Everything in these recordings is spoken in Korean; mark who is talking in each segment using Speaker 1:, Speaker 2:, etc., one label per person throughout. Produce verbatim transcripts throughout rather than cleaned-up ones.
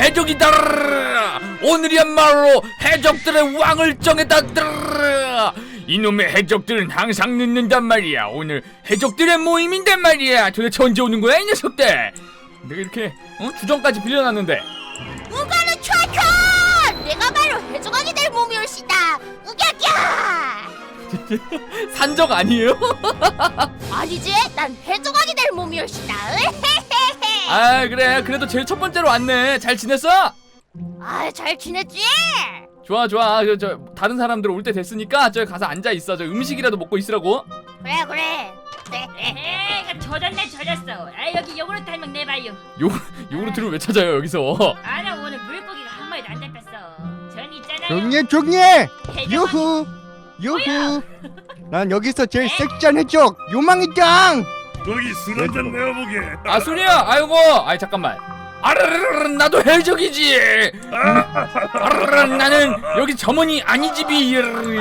Speaker 1: 해적이다. 오늘이야말로 해적들의 왕을 정했다. 이놈의 해적들은 항상 늦는단 말이야. 오늘 해적들의 모임인단 말이야. 도대체 언제 오는 거야 이 녀석들? 내가 이렇게 어? 주정까지 빌려놨는데.
Speaker 2: 우가르 촤촤! 내가 바로 해적왕이 될 몸이올시다. 우갸갸!
Speaker 1: 산적 아니에요?
Speaker 2: 아니지, 난 해적왕이 될 몸이올시다.
Speaker 1: 아 그래, 그래도 제일 첫 번째로 왔네. 잘 지냈어?
Speaker 2: 아, 잘 지냈지?
Speaker 1: 좋아 좋아. 저, 저 다른 사람들 올 때 됐으니까 저기 가서 앉아 있어. 저 음식이라도 먹고 있으라고.
Speaker 2: 그래 그래.
Speaker 3: 에헤, 젖었네 젖었어. 아 여기 요구르트 한 명 내봐요.
Speaker 1: 요 요구르트를 왜 찾아요 여기서?
Speaker 3: 아나 오늘 물고기가 한 마리도 안 잡혔어. 전 있잖아요.
Speaker 4: 종예 종예
Speaker 3: 해적왕이-
Speaker 4: 유후 유후 난 여기서 제일 섹시한 해적 요망이짱.
Speaker 5: 거기 술 한잔 내어보게.
Speaker 1: 아 순이야. 아이고. 아이 잠깐만. 아르르르 나도 해적이지. 아르르르 나는 여기 점원이 아니지비.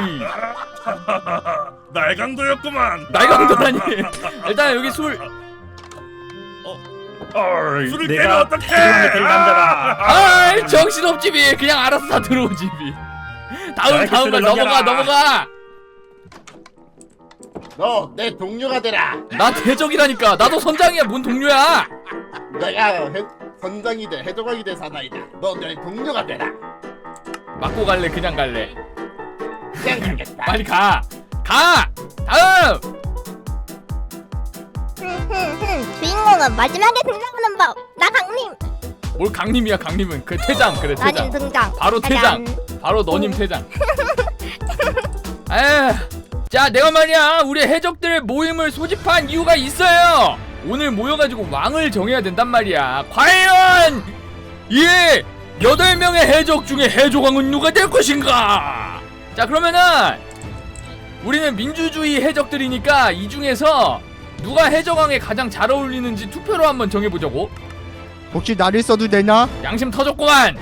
Speaker 5: 날강도였구만.
Speaker 1: 날강도라니. 일단 여기 술.
Speaker 5: 어이, 술을 깨면
Speaker 6: 내가
Speaker 5: 어떡해?
Speaker 6: 해적왕이 될 남자다.
Speaker 1: 아이 정신없지비. 그냥 알아서 다 들어오지비. 다음 다음 걸 넘어가 넘어가.
Speaker 7: 너 내 동료가 되라.
Speaker 1: 나 해적이라니까. 나도 선장이야. 뭔 동료야?
Speaker 7: 내가 해, 선장이 돼 해적왕이 돼 사나이다. 너 내 동료가 되라.
Speaker 1: 맞고 갈래 그냥 갈래?
Speaker 7: 그냥 가겠다.
Speaker 1: 빨리 가. 가. 다음.
Speaker 2: 주인공은 마지막에 등장하는 법. 나 강림.
Speaker 1: 뭘 강림이야 강림은. 그 퇴장 그래
Speaker 2: 나님
Speaker 1: 퇴장.
Speaker 2: 등장.
Speaker 1: 바로 퇴장.
Speaker 2: 짜잔.
Speaker 1: 바로 너님 퇴장. 에휴. 자 내가 말이야 우리 해적들 모임을 소집한 이유가 있어요. 오늘 모여가지고 왕을 정해야 된단 말이야. 과연 이 여덟 명의 해적 중에 해적왕은 누가 될 것인가? 자 그러면은 우리는 민주주의 해적들이니까 이 중에서 누가 해적왕에 가장 잘 어울리는지 투표로 한번 정해보자고.
Speaker 4: 혹시 나를 써도 되나?
Speaker 1: 양심 터졌구만.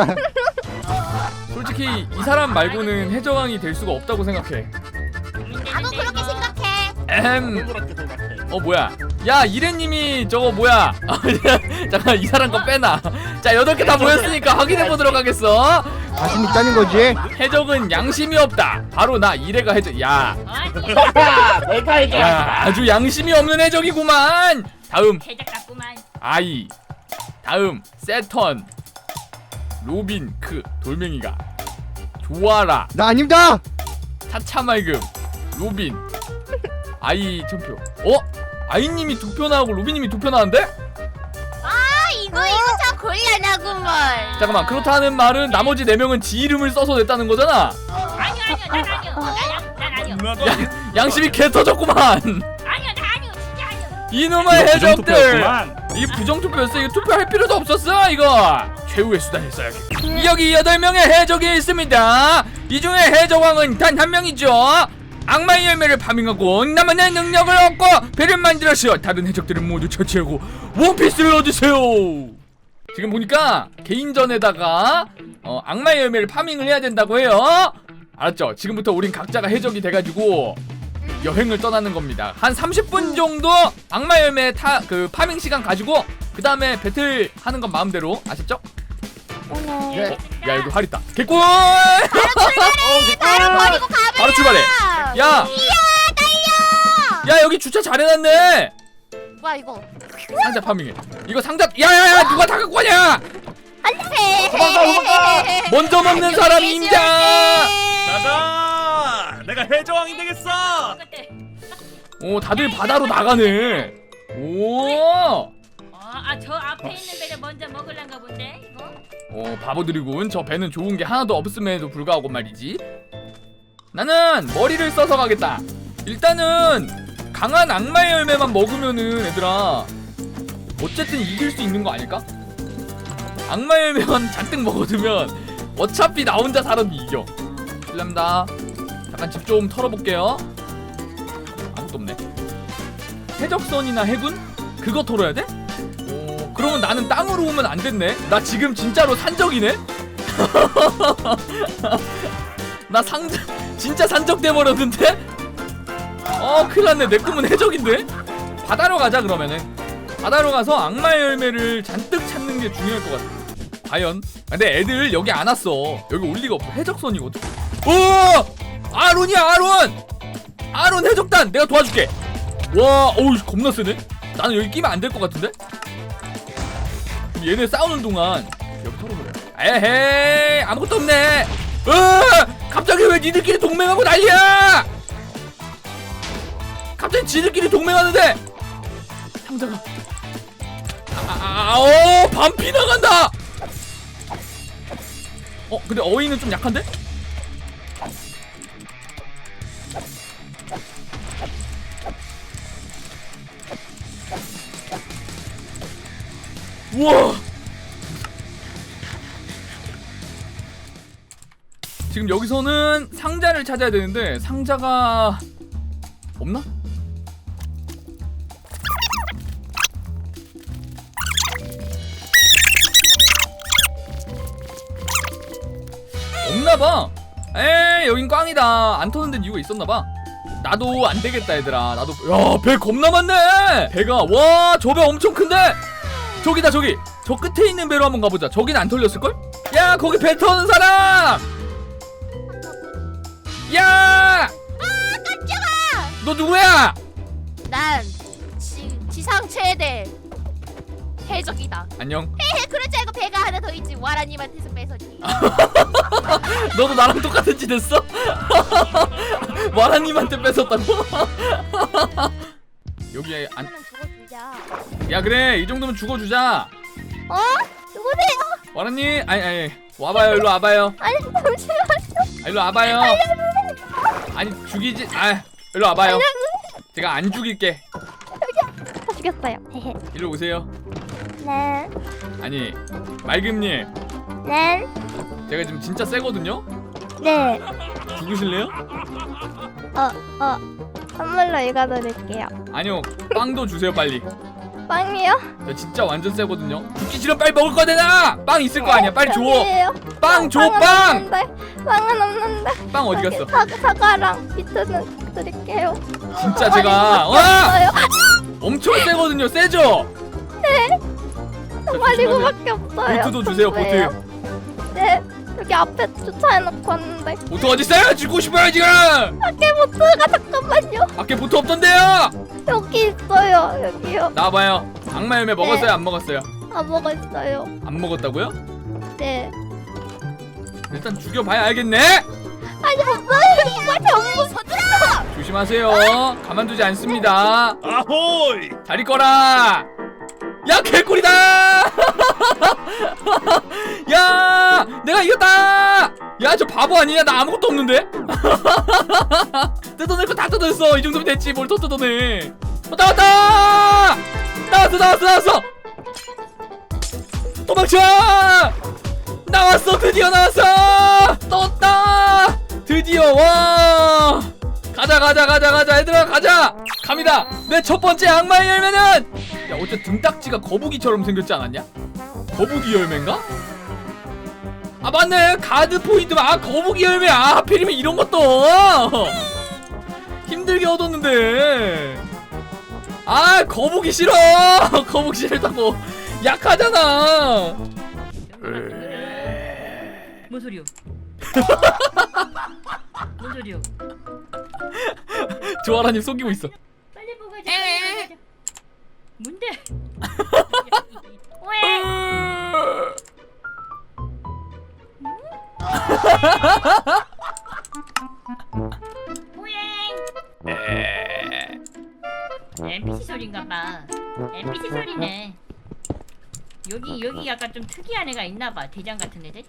Speaker 1: 솔직히 이 사람 말고는 해적왕이 될 수가 없다고 생각해.
Speaker 2: 나도 그렇게 생각해.
Speaker 1: 에헴.
Speaker 7: 그렇게 생각해.
Speaker 1: 어 뭐야? 야 이래님이 저거 뭐야? 잠깐 이 사람 거 빼놔. 자 여덟 개 다 모였으니까 확인해 보도록 하겠어.
Speaker 4: 자신 있다는 거지?
Speaker 1: 해적은 양심이 없다. 바로 나 이래가 해적. 야,
Speaker 7: 하하, 내가 해적.
Speaker 1: 야 아주 양심이 없는 해적이구만. 다음
Speaker 3: 해적 같구만.
Speaker 1: 아이. 다음 세턴. 로빈크 돌멩이가. 좋아라.
Speaker 4: 나 아닙니다.
Speaker 1: 차차말금. 로빈. 아이 천표. 어? 아이님이 두 표 나오고 로빈님이 두 표 나왔는데?
Speaker 2: 아 이거 이거 참 곤란하구먼.
Speaker 1: 잠깐만 그렇다는 말은 나머지 네 명은 지 이름을 써서 냈다는 거잖아.
Speaker 3: 아니요 아니요 난 아니요. 난, 난 아니요.
Speaker 1: 야, 양심이 개 터졌구만.
Speaker 3: 아니요 나 아니요 진짜 아니요.
Speaker 1: 이놈의
Speaker 6: 이거
Speaker 1: 해적들.
Speaker 6: 부정투표였구만.
Speaker 1: 이 부정투표였어. 이거 투표할 필요도 없었어 이거. 최후의 수단을 써야지. 여기 여덟 명의 해적이 있습니다. 이 중에 해적왕은 단 한 명이죠. 악마의 열매를 파밍하고 나만의 능력을 얻고 배를 만들어서 다른 해적들을 모두 처치하고 원피스를 얻으세요. 지금 보니까 개인전에다가 어, 악마의 열매를 파밍을 해야 된다고 해요. 알았죠? 지금부터 우린 각자가 해적이 돼가지고 여행을 떠나는 겁니다. 한 삼십 분 정도 악마 열매 타, 그 파밍 시간 가지고 그 다음에 배틀 하는 건 마음대로. 아셨죠?
Speaker 7: 네.
Speaker 1: 야 여기 활 있다. 개꿀!
Speaker 2: 나를 버리고 가버려.
Speaker 1: 바로 출발해. 야!
Speaker 2: 이야 달려.
Speaker 1: 야 여기 주차 잘해놨네.
Speaker 2: 뭐야 이거?
Speaker 1: 상자 파밍해. 이거 상자. 야야야 누가 다 갖고 가냐?
Speaker 2: 안돼.
Speaker 1: 먼저 먹는 사람이 임자.
Speaker 6: 가자. 내가 해적왕이 되겠어.
Speaker 3: 그때.
Speaker 1: 오 다들 바다로 나가네. 오.
Speaker 3: 어아 저 앞에 있는 배를 먼저 먹을란가 본데 이거.
Speaker 1: 어 바보들이군. 저 배는 좋은 게 하나도 없음에도 불구하고 말이지. 나는 머리를 써서 가겠다. 일단은 강한 악마의 열매만 먹으면은 얘들아 어쨌든 이길 수 있는 거 아닐까? 악마의 열매만 잔뜩 먹어두면 어차피 나 혼자 사람이 이겨. 실례합니다. 잠깐 집 좀 털어볼게요. 아무것도 없네. 해적선이나 해군? 그거 털어야 돼? 오, 그러면 나는 땅으로 오면 안 됐네. 나 지금 진짜로 산적이네? 나 상적, 진짜 산적 돼버렸는데? 어 큰일났네. 내 꿈은 해적인데? 바다로 가자 그러면은. 바다로 가서 악마의 열매를 잔뜩 찾는 게 중요할 것 같아. 과연? 근데 애들 여기 안 왔어. 여기 올 리가 없어. 해적선이거든. 오! 아론이야 아론! 아론 해적단 내가 도와줄게. 와, 어우 겁나 세네. 나는 여기 끼면 안 될 것 같은데? 그럼 얘네 싸우는 동안 여기 털어버려. 에헤이 아무것도 없네. 으! 갑자기 왜 니들끼리 동맹하고 난리야? 갑자기 지들끼리 동맹하는데 상자가 아오 반피 나간다. 어 근데 어이는 좀 약한데? 우와 지금 여기서는 상자를 찾아야 되는데 상자가 없나? 없나봐. 에이 여긴 꽝이다. 안 터는 데는 이유가 있었나봐. 나도 안되겠다 얘들아. 나도 야 배 겁나 많네. 배가 와 저 배 엄청 큰데. 저기다 저기 저 끝에 있는 배로 한번 가보자. 저긴 안 털렸을걸? 야 거기 배 터는 사람. 야!
Speaker 2: 아 깜짝아.
Speaker 1: 너 누구야?
Speaker 2: 난 지, 지상 최대 해적이다.
Speaker 1: 안녕.
Speaker 2: 헤헤 그럴 줄 알고 배가 하나 더 있지. 와라님한테서 뺏었지.
Speaker 1: 너도 나랑 똑같은 짓 했어? 와라님한테 뺏었다고? 여기에 안...
Speaker 2: 하나는 죽어주자.
Speaker 1: 야 그래 이 정도면 죽어주자.
Speaker 2: 어? 누구세요?
Speaker 1: 와라님 아니 아니 와봐요 일로 와봐요.
Speaker 2: 아니 잠시만요.
Speaker 1: 아, 일로 와봐요. 아니 죽이지 아 일로 와봐요. 제가 안 죽일게.
Speaker 2: 다 죽였어요. 헤헤.
Speaker 1: 일로 오세요.
Speaker 2: 네.
Speaker 1: 아니 맑음님
Speaker 2: 네.
Speaker 1: 제가 지금 진짜 세거든요?
Speaker 2: 네.
Speaker 1: 죽으실래요?
Speaker 2: 어, 어. 선물로 읽어드릴게요.
Speaker 1: 아니요 빵도 주세요 빨리.
Speaker 2: 빵이요?
Speaker 1: 저 진짜 완전 세거든요. 죽기 싫으면 빨리 먹을 거 내놔. 빵 있을 거 아니야. 빨리 줘.
Speaker 2: 여기에요.
Speaker 1: 빵 줘
Speaker 2: 빵은
Speaker 1: 빵.
Speaker 2: 없는데. 빵은 없는데.
Speaker 1: 빵 어디
Speaker 2: 여기
Speaker 1: 갔어?
Speaker 2: 사, 사과랑 비트는 드릴게요.
Speaker 1: 진짜 제가 와
Speaker 2: 없어요.
Speaker 1: 엄청 세거든요. 세죠?
Speaker 2: 정말
Speaker 1: 조심하세요.
Speaker 2: 이거밖에 없어요.
Speaker 1: 보트도 주세요.
Speaker 2: 왜요?
Speaker 1: 보트.
Speaker 2: 네. 여기 앞에 주차해놓고 왔는데.
Speaker 1: 보트 어디 있어요? 죽고 싶어요 지금.
Speaker 2: 밖에 보트가 잠깐만요.
Speaker 1: 밖에 보트 없던데요.
Speaker 2: 여기 있어요. 여기요.
Speaker 1: 나와봐요. 악마 열매 먹었어요?
Speaker 2: 네.
Speaker 1: 안 먹었어요?
Speaker 2: 아 먹었어요.
Speaker 1: 안 먹었다고요?
Speaker 2: 네.
Speaker 1: 일단 죽여봐야 알겠네.
Speaker 2: 아니 없어요. 이거 전부 서들어.
Speaker 1: 조심하세요. 가만두지 않습니다.
Speaker 5: 아호이.
Speaker 1: 자리 꺼라. 야 개꿀이다. 야 내가 이겼다. 야 저 바보 아니냐? 나 아무것도 없는데. 뜯어낼 거 다 뜯어냈어. 이 정도면 됐지. 뭘 더 뜯어내. 어, 나왔다. 나왔어 나왔어 나왔어. 도망쳐. 나왔어. 드디어 나왔어. 떴다. 드디어 와. 가자 가자 가자 가자 얘들아 가자. 갑니다. 내 첫 번째 악마의 열매는 야 어째 등딱지가 거북이처럼 생겼지 않았냐? 거북이 열매인가? 아 맞네 가드 포인트. 아 거북이 열매. 아 하필이면 이런 것도 힘들게 얻었는데. 아 거북이 싫어. 거북이 싫다고. 약하잖아.
Speaker 3: 뭔 소리요? 뭔 소리요?
Speaker 1: 조아라님 속이고 있어.
Speaker 3: 빨리 보고 가자. 빨리 보고 가자. 뭔데? 왜? 호행. 엔피씨 소리인가봐. 엔피씨 소리네. 여기 여기 약간 좀 특이한 애가 있나봐. 대장 같은 애들.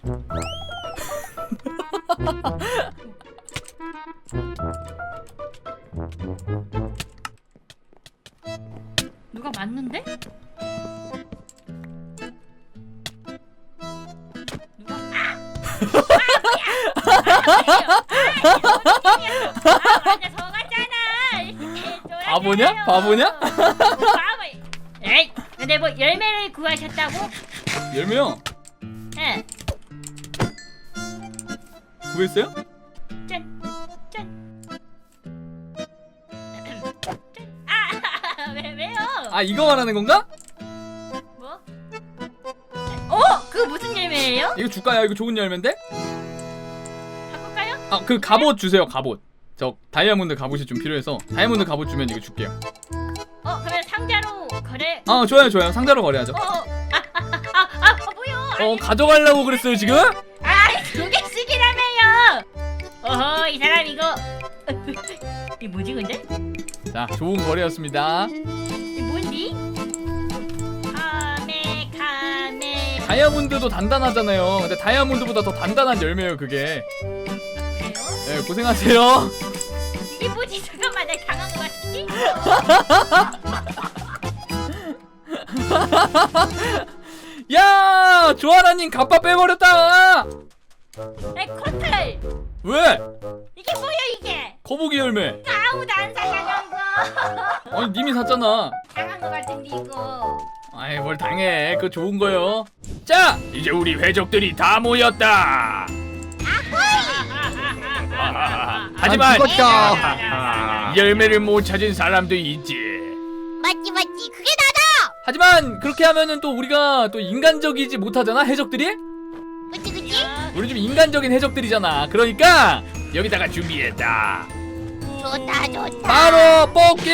Speaker 3: 누가 맞는데? 누가? 아! 아, 맞아, 속았잖아.
Speaker 1: 바보냐? 바보냐?
Speaker 3: 바보. 에이, 근데 뭐 열매를 구하셨다고?
Speaker 1: 열매요?
Speaker 3: 응.
Speaker 1: 구했어요?
Speaker 3: 짠, 짠. 짠. 아, 왜 왜요?
Speaker 1: 아 이거 말하는 건가?
Speaker 3: 뭐? 어, 그거 무슨 열매? 열매예요?
Speaker 1: 이거 줄까요? 이거 좋은 열매인데?
Speaker 3: 바꿀까요?
Speaker 1: 아 그 갑옷 주세요. 갑옷. 저 다이아몬드 갑옷이 좀 필요해서 다이아몬드 갑옷 주면 이거 줄게요.
Speaker 3: 어 그러면 상자로 거래.
Speaker 1: 아 좋아요 좋아요. 상자로 거래하죠.
Speaker 3: 어, 아아아아 아, 아, 뭐요?
Speaker 1: 어 가져가려고 그랬어요 지금?
Speaker 3: 아두 개씩이라며요. 어허 이 사람 이거 이 뭐지 근데?
Speaker 1: 자 좋은 거래였습니다.
Speaker 3: 이 뭔디? 카메 카메.
Speaker 1: 다이아몬드도 단단하잖아요. 근데 다이아몬드보다 더 단단한 열매예요 그게.
Speaker 3: 그래요?
Speaker 1: 네 고생하세요.
Speaker 3: 이게 뭐지? 잠깐만 나 당한 거 같은데?
Speaker 1: 야 조아라님 갑바 빼버렸다.
Speaker 3: 에 코털
Speaker 1: 왜?
Speaker 3: 이게 뭐야 이게?
Speaker 1: 거북이 열매.
Speaker 3: 아무도 안 사냥한 거.
Speaker 1: 아니 님이 샀잖아.
Speaker 3: 당한 거 같은데 이거.
Speaker 1: 아이 뭘 당해. 그거 좋은 거요. 자 이제 우리 회족들이 다 모였다. 하지만
Speaker 4: 난 죽었다.
Speaker 1: 이 열매를 못 찾은 사람도 있지.
Speaker 2: 맞지 맞지 그게 나다.
Speaker 1: 하지만 그렇게 하면은 또 우리가 또 인간적이지 못하잖아 해적들이?
Speaker 2: 그치 그치.
Speaker 1: 우리 좀 인간적인 해적들이잖아. 그러니까 여기다가 준비했다.
Speaker 2: 좋다 좋다.
Speaker 1: 바로 뽑기.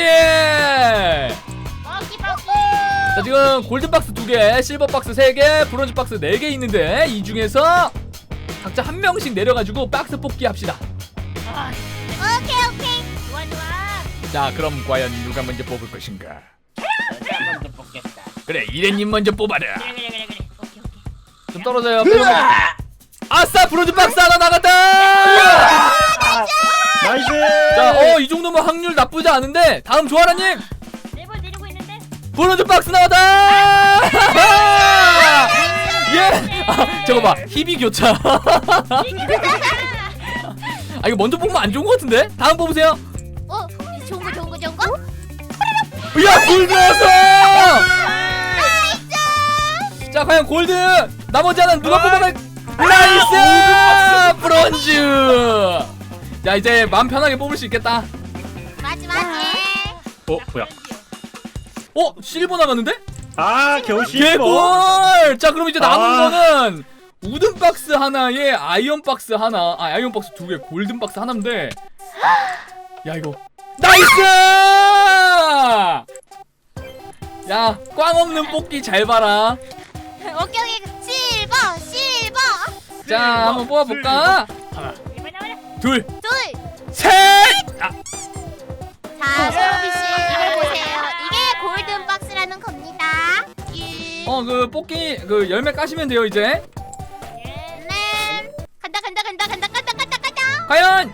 Speaker 3: 먹기 먹기.
Speaker 1: 자 지금 골드 박스 두 개, 실버 박스 세 개, 브론즈 박스 네 개 있는데 이 중에서 각자 한 명씩 내려가지고 박스 뽑기 합시다.
Speaker 3: 아,
Speaker 2: 오케이 오케이.
Speaker 3: 좋아 좋아.
Speaker 1: 자 그럼 과연 누가 먼저 뽑을 것인가?
Speaker 6: 내가 먼저 뽑겠다.
Speaker 1: 그래 이래님 먼저 뽑아라.
Speaker 3: 그래 그래 그래 그래. 오케이 오케이.
Speaker 1: 좀 떨어져요. 아싸 브론즈 박스 하나 나갔다.
Speaker 6: 나이스.
Speaker 1: 자어 이 정도면 확률 나쁘지 않은데 다음 조아라님
Speaker 3: 네번 내리고 있는데.
Speaker 1: 브론즈 박스 나왔다. 예. 아, 저거 봐 희비 교차. 아 이거 먼저 뽑으면 안 좋은 것 같은데? 다음 뽑으세요.
Speaker 2: 어 좋은 거 좋은 거 좋은 거.
Speaker 1: 야 골드 나왔어. 자 과연 골드 나머지 하나는 누가 뽑아갈? 나이스 브론즈. 자 이제 마음 편하게 뽑을 수 있겠다.
Speaker 2: 맞지 맞지.
Speaker 6: 어 뭐야?
Speaker 1: 어 실버 남았는데?
Speaker 6: 아 겨우 실버.
Speaker 1: 개꿀. 자 그럼 이제 남은
Speaker 6: 아.
Speaker 1: 거는 우든 박스 하나에 아이언 박스 하나, 아 아이언 박스 두 개, 골든 박스 하나인데. 야 이거 나이스. 야 꽝 없는 뽑기 잘 봐라.
Speaker 2: 오케이 오케이 실버 실버.
Speaker 1: 자 한번 뽑아볼까? 하나,
Speaker 3: 이번 나와라.
Speaker 1: 둘,
Speaker 2: 둘.
Speaker 1: 셋. 아,
Speaker 2: 자 소로비 씨 이걸 보세요. 이게 골든 박스라는 겁니다. 일.
Speaker 1: 어 그 뽑기 그 열매 까시면 돼요 이제.
Speaker 2: 네. 간다 간다 간다 간다 간다 간다 간다.
Speaker 1: 과연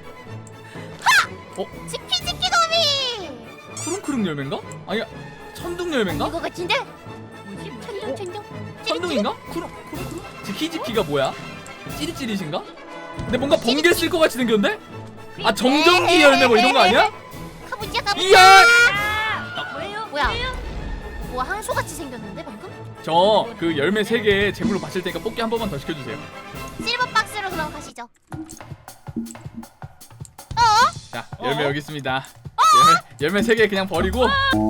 Speaker 2: 지키 지키 도미.
Speaker 1: 크릉크릉 열매인가? 아니야 천둥 열매인가?
Speaker 2: 이거 같은데?
Speaker 3: 뭐지? 뭐지?
Speaker 2: 천둥 천둥.
Speaker 1: 천둥인가? 크릉 크릉크릉? 지키지키가 뭐야? 찌릿찌릿인가? 근데 뭔가 번개 쓸 것 같이 생겼는데? 아 정전기 열매 뭐 이런 거 아니야?
Speaker 2: 가보자 가보자.
Speaker 1: 이야!
Speaker 3: 아, 뭐예요?
Speaker 2: 뭐야?
Speaker 3: 뭐예요?
Speaker 2: 뭐 항소 같이 생겼는데 방금?
Speaker 1: 저 그 열매 세 개 제물로 바칠 테니까 뽑기 한 번만 더 시켜주세요.
Speaker 2: 실버 박스로 그럼 가시죠.
Speaker 1: 자 열매 여기 있습니다. 열매, 열매 세 개 그냥 버리고.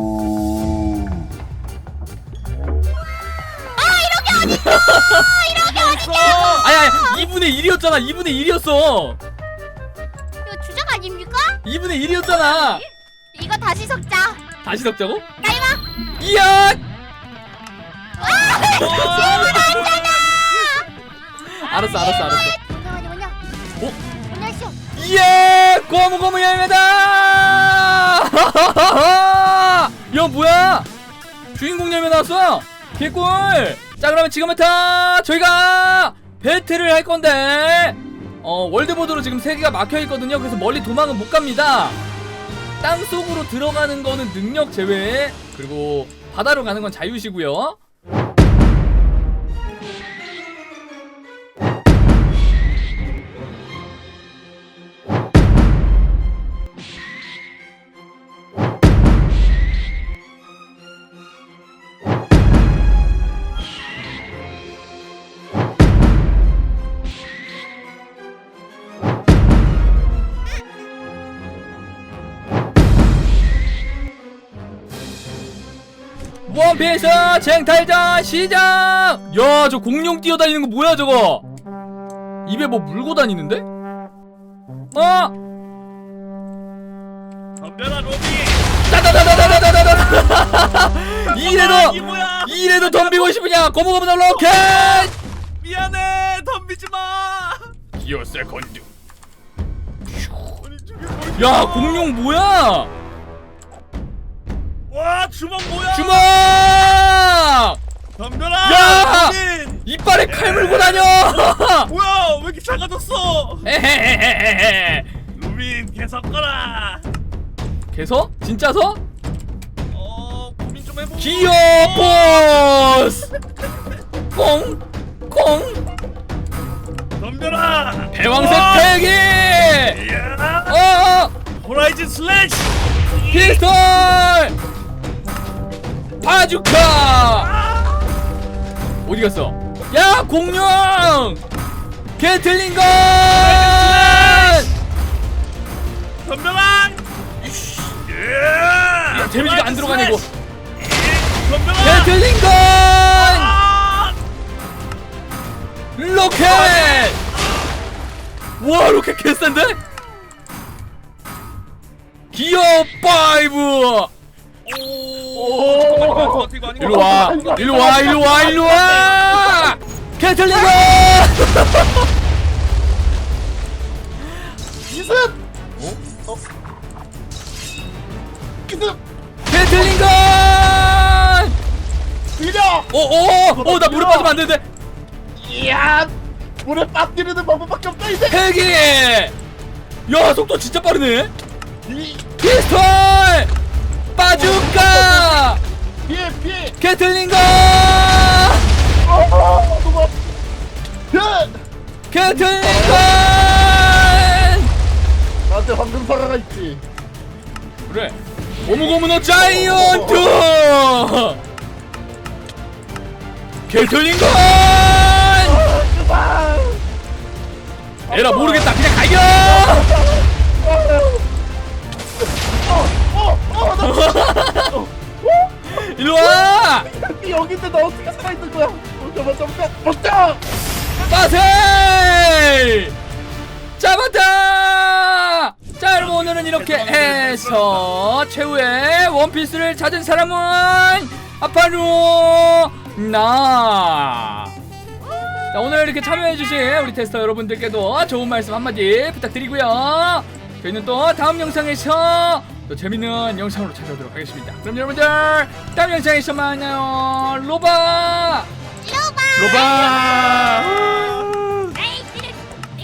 Speaker 1: 아니 아니 이분의 일이었잖아. 이분의 일이었어.
Speaker 2: 이거 주작 아닙니까?
Speaker 1: 이분의 일이었잖아.
Speaker 2: 이거 다시 섞자.
Speaker 1: 다시 섞자고?
Speaker 2: 나이마.
Speaker 1: 이야! 알았어 알았어 알았어.
Speaker 2: 뭐냐 뭐냐 뭐냐.
Speaker 1: 어?
Speaker 2: 뭐냐 쇼.
Speaker 1: 예! 고무고무 열매다! 야 뭐야? 주인공 열매 나왔어! 개꿀! 자 그러면 지금부터 저희가 배틀을 할 건데 어 월드보드로 지금 세 개가 막혀 있거든요. 그래서 멀리 도망은 못 갑니다. 땅 속으로 들어가는 거는 능력 제외, 그리고 바다로 가는 건 자유시고요. 원피스 쟁탈전 시작. 야, 저 공룡 뛰어다니는 거 뭐야 저거? 입에 뭐 물고 다니는데? 어?
Speaker 5: 덤벼라 로비.
Speaker 1: 따다다다다다다다다. 이래도
Speaker 5: 이게 뭐야?
Speaker 1: 이래도 덤비고 싶으냐? 고무고무 로켓.
Speaker 5: 미안해 덤비지 마.
Speaker 1: 기어 세컨드. 야, 공룡 뭐야?
Speaker 5: 와 주먹 뭐야?
Speaker 1: 주먹!
Speaker 5: 덤벼라.
Speaker 1: 야!
Speaker 5: 로빈.
Speaker 1: 이빨에 칼 물고 다녀.
Speaker 5: 뭐야 왜 이렇게 작아졌어?
Speaker 1: 에헤헤헤헤.
Speaker 5: 로빈 계속 거라.
Speaker 1: 개서? 진짜서?
Speaker 5: 어 고민 좀 해보.
Speaker 1: 기어 포스! 꽁! 꽁!
Speaker 5: 덤벼라.
Speaker 1: 대왕색
Speaker 5: 우와!
Speaker 1: 패기!
Speaker 5: 이야.
Speaker 1: 어!
Speaker 5: 호라이즌 슬래시.
Speaker 1: 피스톨! 바주카! 어디 갔어? 야, 공룡! 게틀링건!
Speaker 5: 덤벼라. 예.
Speaker 1: 야, 데미지가 안 들어가네 이거.
Speaker 5: 덤벼라.
Speaker 1: 게틀링건!
Speaker 5: 아!
Speaker 1: 로켓! 와, 로켓 개싼데? 기어 파이브!
Speaker 5: 오.
Speaker 1: 일로 와, 일로 와, 일로 와, 일로 와! 게틀링건!
Speaker 7: 기습. 어? 어? 기습.
Speaker 1: 게틀링건!
Speaker 7: 밀려.
Speaker 1: 오, 오, 오, 나 물에 빠지면 안 되는데.
Speaker 7: 이야. 물에 빠뜨리는 방법밖에 없다 이제.
Speaker 1: 헬기! 야, 속도 진짜 빠르네.
Speaker 7: 이
Speaker 1: 피스톨! 바주카!
Speaker 7: 피해 피해.
Speaker 1: 게틀링건!
Speaker 7: 어, 누가? 야!
Speaker 1: 게틀링건!
Speaker 7: 나한테 황금사과가 있지.
Speaker 1: 그래. 고무고무노 자이언트! 게틀링건! 에라 모르겠다. 그냥 가요! 일로 와!
Speaker 7: 여기인데 나 어떻게 살아있는 거야? 어, 잠깐 잠깐 먹자.
Speaker 1: 빠세! 잡았다! 자, 여러분 오늘은 이렇게 해서 최후의 원피스를 찾은 사람은 바로 나. 자, 오늘 이렇게 참여해주신 우리 테스터 여러분들께도 좋은 말씀 한마디 부탁드리고요. 저희는 또 다음 영상에서 또 재밌는 영상으로 찾아오도록 하겠습니다. 그럼 여러분들 다음 영상에서 만나요. 로바!
Speaker 2: 로바.
Speaker 1: 로바!
Speaker 3: 에이, 찌릿.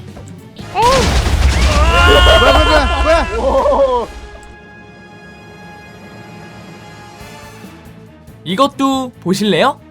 Speaker 4: 뭐야 뭐야 뭐야
Speaker 7: 오.
Speaker 1: 이것도 보실래요?